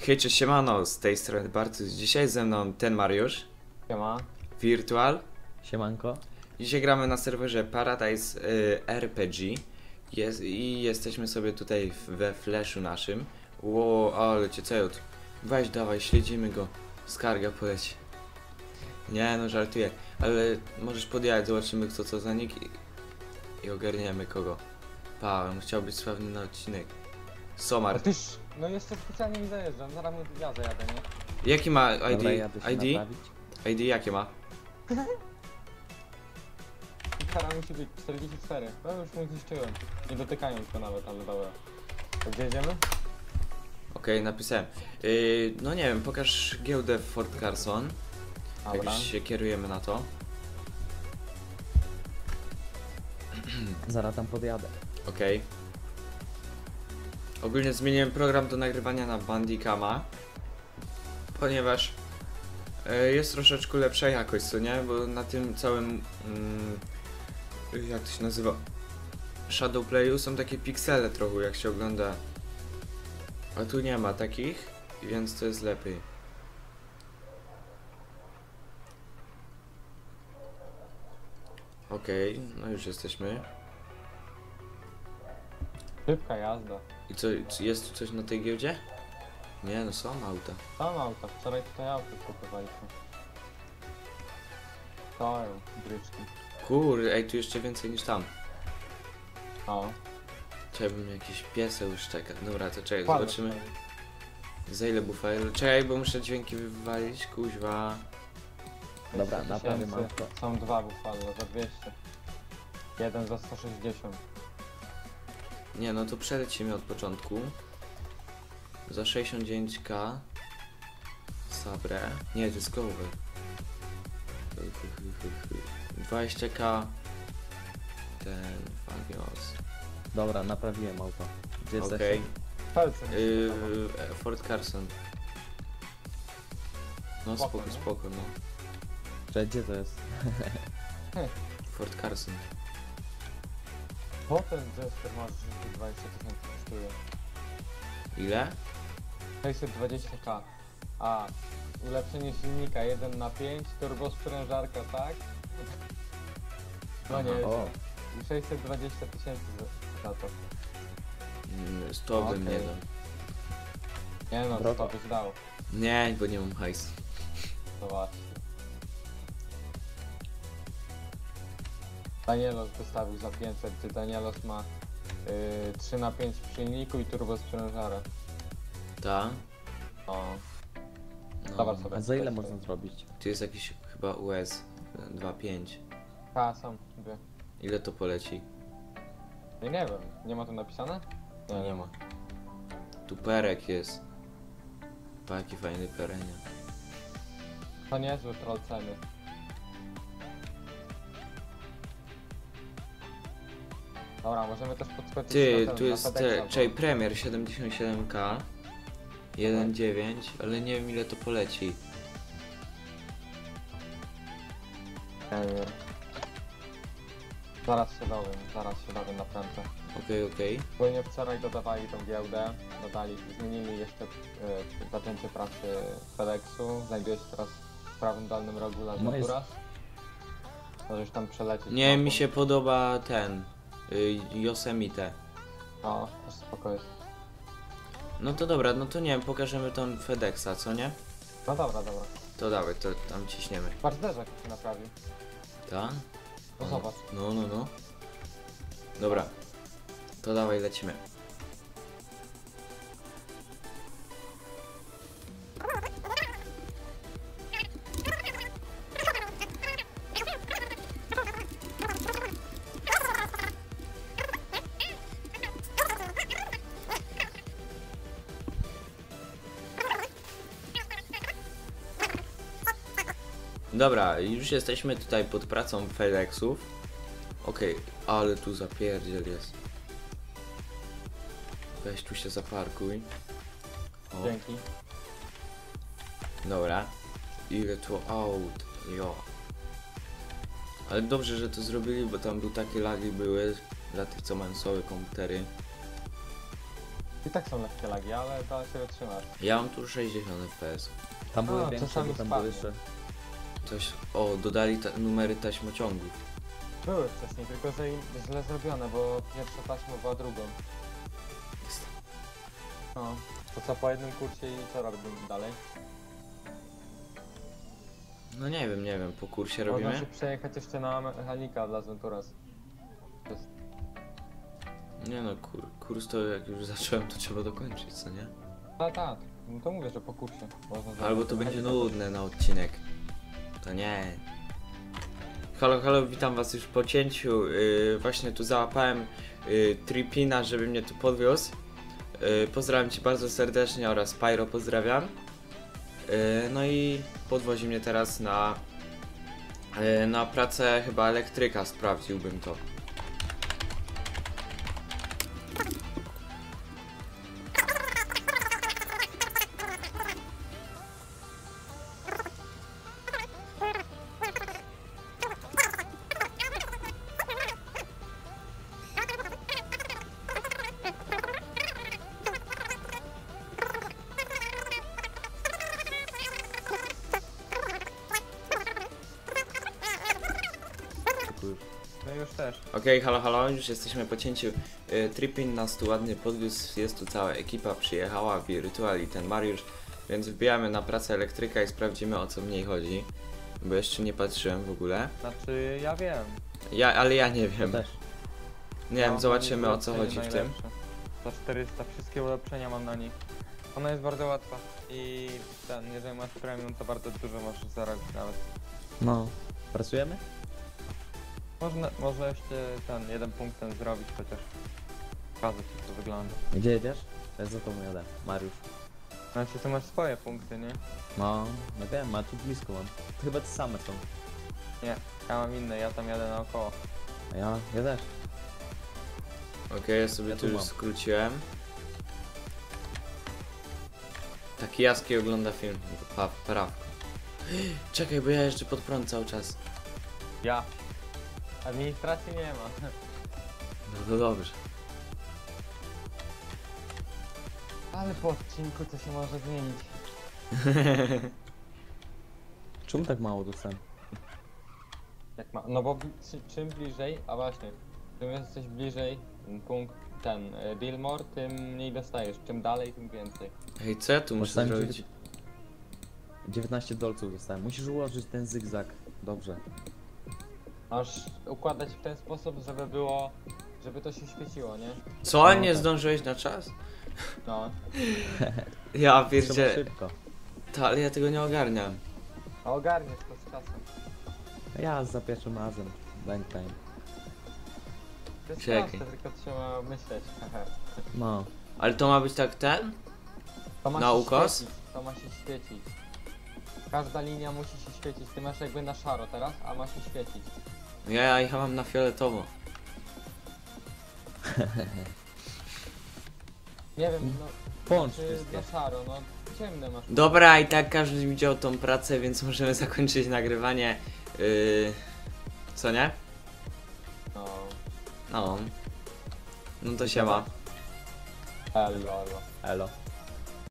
Hej, cześć, siemano, z tej strony Bartuś. Dzisiaj ze mną ten Mariusz, Siema. Virtual. Siemanko. Dzisiaj gramy na serwerze Paradise RPG i jesteśmy sobie tutaj we flashu naszym. Ło, ale cię cejut. Weź, dawaj, śledzimy go. Skarga poleci. Nie, no żartuję, ale możesz podjechać, zobaczymy kto co za nick i ogarniemy kogo. Pa, on chciał być sławny na odcinek. Somar. A tyż, no jeszcze specjalnie mi zajeżdżam, zaraz ja zajadę, nie? Jaki ma ID? Dobra, jadę się ID? naprawić. ID jakie ma? I kara musi być 44. No już mu zniszczyłem. Nie dotykając go nawet, ale dobra. To gdzie jedziemy? Okej, napisałem. No nie wiem, pokaż giełdę w Fort Carson. Jak Dobra. już się kierujemy na to. Zaraz tam podjadę. Okej. Ogólnie zmieniłem program do nagrywania na Bandicama, ponieważ jest troszeczkę lepsza jakość, co nie? Bo na tym całym jak to się nazywa? Shadowplayu są takie piksele trochę, jak się ogląda. A tu nie ma takich, więc to jest lepiej. Okej, no już jesteśmy. Szybka jazda. I co, jest tu coś na tej giełdzie? Nie, no są auta. Tam auta, wczoraj tutaj auto kupowaliśmy. Stoją, bryczki. Kurde, ej, tu jeszcze więcej niż tam. O. Trzeba bym jakiś pieseł już czeka. Dobra, to czekaj, Kładę zobaczymy tutaj. za ile bufel. Czekaj, bo muszę dźwięki wywalić, kuźwa. Dobra, 200 naprawię tysięcy. auto. Są dwa bufalo za 200. Jeden za 160. Nie, no to przelecimy od początku. Za 69k. Sabre. Nie, to jest Clover. 20k. Ten Fagios. Dobra, naprawiłem auto. Gdzie Okej. jesteś? Pelce. Fort Carson. No Spoko, spoko, nie? spoko, no. Że gdzie to jest? Fort Carson. Potem Jester masz 20 tysięcy kosztuje. Ile? 620k. A, ulepszenie silnika 1 na 5, turbosprężarka, tak? No nie, O, 620 tysięcy za to. 100 bym nie Okej. dał. Nie no, Drogo. to byś dał. Nie, bo nie mam hajsu. To właśnie. Danielos wystawił za 500, gdzie Danielos ma 3 na 5 w silniku i turbosprężarę. Ta? O, No. zobacz sobie. a za ile można zrobić? Tu jest jakiś chyba US 2.5. A, są dwie. Ile to poleci? Nie wiem, nie ma tu napisane? Nie ma. Tu perek jest. Pa, jaki fajny perenie. To niezły troll ceny. Dobra, możemy też podskoczyć Ty, na ten, tu na jest FedExa, bo- czekaj, Premier 77k. 1.9, ale nie wiem ile to poleci. Nie wiem. Zaraz się dowiem naprawdę. Okej. Płynnie wczoraj dodawali tą giełdę, zmienili jeszcze zaczęcie pracy FedExu, znajduje się teraz w prawym dolnym rogu Las No jest- Naturas. Możesz tam przelecieć. Nie, mapą. mi się podoba ten. Yosemite. No, też spoko jest. No to dobra, no to nie wiem, pokażemy tą FedExa, co nie? No dobra. To dawaj, to tam ciśniemy. Patrz, zderzak się naprawił. Ta? No zobacz. No. Dobra. To dawaj, lecimy. Dobra, już jesteśmy tutaj pod pracą FedExów. Okej, ale tu zapierdziel jest. Weź tu się zaparkuj. O, Dzięki. dobra. Ile tu aut, jo. Ale dobrze, że to zrobili, bo tam takie lagi były dla tych, co mają słabe komputery. tak są lekkie lagi, ale da się wytrzymać. Ja mam tu 60 FPS. Tam były A, większe, czasami bo tam były spadnie. jeszcze... Coś... O, dodali numery taśmociągów. Były wcześniej, tylko że źle zrobione, bo pierwsza taśma była drugą. No. To co po jednym kursie i co robimy dalej? No nie wiem, po kursie Można robimy? się przejechać jeszcze na mechanika dla Zenturas. To jest... Nie no, kurs to jak już zacząłem, to trzeba dokończyć, co nie? Tak. No to mówię, że po kursie. Można Albo to zrobić będzie mechanika. nudne na odcinek. To nie. Halo, witam was już po cięciu. Właśnie tu załapałem Tripina, żeby mnie tu podwiózł. Pozdrawiam cię bardzo serdecznie oraz Pyro pozdrawiam. No i podwozi mnie teraz na pracę chyba elektryka, sprawdziłbym to. No już też. Okej, halo, już jesteśmy po cięciu. Tripin nas tu ładnie podwiózł, jest tu cała ekipa, przyjechała, Wirtual i ten Mariusz, więc wbijamy na pracę elektryka i sprawdzimy, o co w niej chodzi, bo jeszcze nie patrzyłem w ogóle. Znaczy, ja wiem. Ale ja nie Ja wiem. też. Nie wiem, zobaczymy, o co chodzi w tym. Za 400 wszystkie ulepszenia mam na nich. Ona jest bardzo łatwa i jeżeli masz premium, to bardzo dużo możesz zarobić nawet. No. Pracujemy? Może jeszcze jeden punkt zrobić chociaż. Pokazać jak to wygląda. Gdzie jedziesz? Ja za tobą jadę. Mariusz. Znaczy ty masz swoje punkty, nie? No wiem, a tu blisko mam. To chyba te same są. Nie, ja mam inne, ja tam jadę naokoło. A ja też. Okej, ja sobie Ja tu tu już mam. skróciłem. Taki Jaski ogląda film, prawko. Czekaj, bo ja jeszcze pod prąd cały czas. Ja. Administracji nie ma. No to dobrze. Ale po odcinku to się może zmienić. Czemu tak mało dostałem? Jak ma, no bo czym bliżej, a właśnie, czym jesteś bliżej punkt Dillmore, tym mniej dostajesz. Czym dalej, tym więcej. Hej, co ja tu muszę Dostałem zrobić? 19 dolców dostałem. Musisz ułożyć ten zygzak. Dobrze. Masz układać w ten sposób, żeby to się świeciło, nie? Co? No Nie tak. zdążyłeś na czas? No. Ja Trzeba pierdzie... szybko. Ale ja tego nie ogarniam. A ogarniesz to z czasem. Ja za pierwszym razem. Bang time. To jest Czekaj. proste, tylko trzeba myśleć. No. Ale to ma być tak ten? To ma Na się ukos? świecić, to ma się świecić. Każda linia musi się świecić. Ty masz jakby na szaro teraz, a ma się świecić. Ja mam na fioletowo. Nie wiem, no. Połącz Czy wszystkie. na szaro, no ciemne masz. Dobra, i tak każdy widział tą pracę, więc możemy zakończyć nagrywanie. Co nie? No. No. No to siema. Elo. Elo.